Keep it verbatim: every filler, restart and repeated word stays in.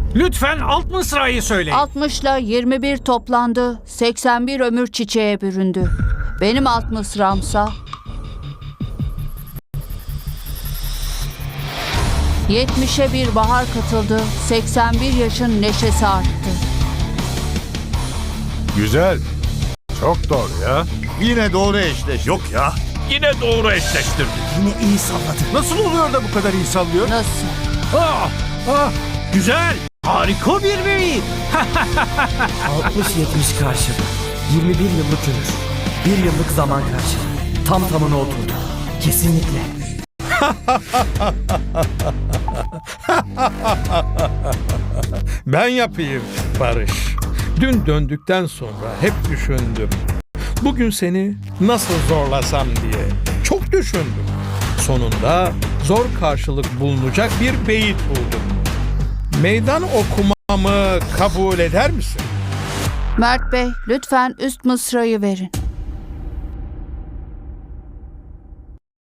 Lütfen alt mısrayı söyleyin. altmışla yirmi bir toplandı. seksen bir ömür çiçeğe büründü. Benim alt mısramsa yetmişe bir bahar katıldı. seksen bir yaşın neşesi arttı. Güzel. Çok doğru ya. Yine doğru eşleş. Yok ya. Yine doğru eşleştirdik. Yine iyi salladı. Nasıl oluyor da bu kadar iyi sallıyor? Nasıl? Ah, ah, güzel. Harika bir beyit. altmış yetmiş karşılığı. yirmi bir yıllık ömür. Bir yıllık zaman karşılığı. Tam tamına oturdu. Kesinlikle. Ben yapayım Barış. Dün döndükten sonra hep düşündüm. Bugün seni nasıl zorlasam diye. Çok düşündüm. Sonunda zor karşılık bulunacak bir beyit buldum. Meydan okumamı kabul eder misin? Mert Bey, lütfen üst mısrayı verin.